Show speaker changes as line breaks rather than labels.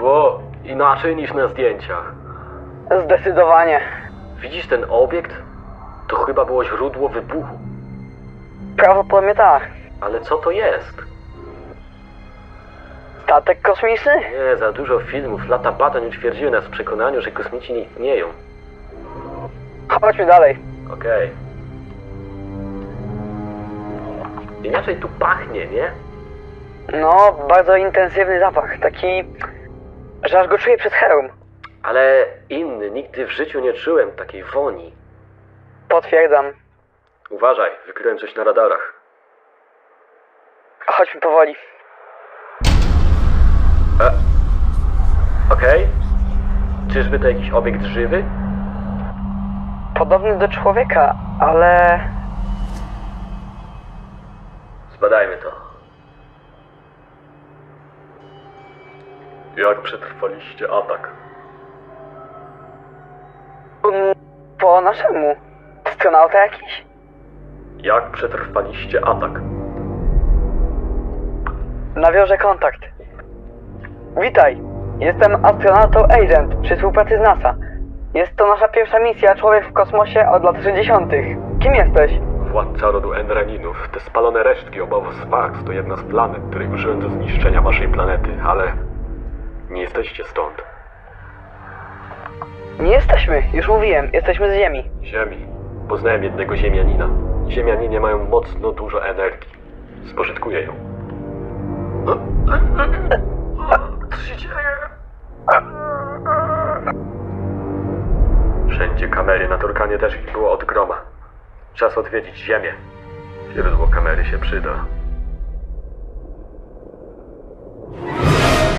Było inaczej niż na zdjęciach.
Zdecydowanie.
Widzisz ten obiekt? To chyba było źródło wybuchu.
Prawdopodobnie tak.
Ale co to jest?
Statek kosmiczny?
Nie, za dużo filmów, lata badań utwierdziły nas w przekonaniu, że kosmici nie istnieją.
Chodźmy dalej.
Okej. Inaczej tu pachnie, nie?
No, bardzo intensywny zapach. Taki, że aż go czuję przez herum.
Ale inny, nigdy w życiu nie czułem takiej woni.
Potwierdzam.
Uważaj, wykryłem coś na radarach.
Chodźmy powoli.
Okej. Czyżby to jakiś obiekt żywy?
Podobny do człowieka, ale...
Zbadajmy to. Jak przetrwaliście atak?
Po naszemu. Astronauta jakiś?
Jak przetrwaliście atak?
Nawiążę kontakt. Witaj. Jestem astronautą Agent przy współpracy z NASA. Jest to nasza pierwsza misja Człowiek w kosmosie od lat 60. Kim jesteś?
Władca rodu Enraninów. Te spalone resztki obozu Sfax to jedna z planet, której użyłem do zniszczenia waszej planety, ale... nie jesteście stąd.
Nie jesteśmy, już mówiłem, jesteśmy z Ziemi.
Ziemi. Poznałem jednego ziemianina. Ziemianinie mają mocno dużo energii. Spożytkuję ją. Co się dzieje? Wszędzie kamery, na Turkanie też ich było od groma. Czas odwiedzić Ziemię. Źródło kamery się przyda.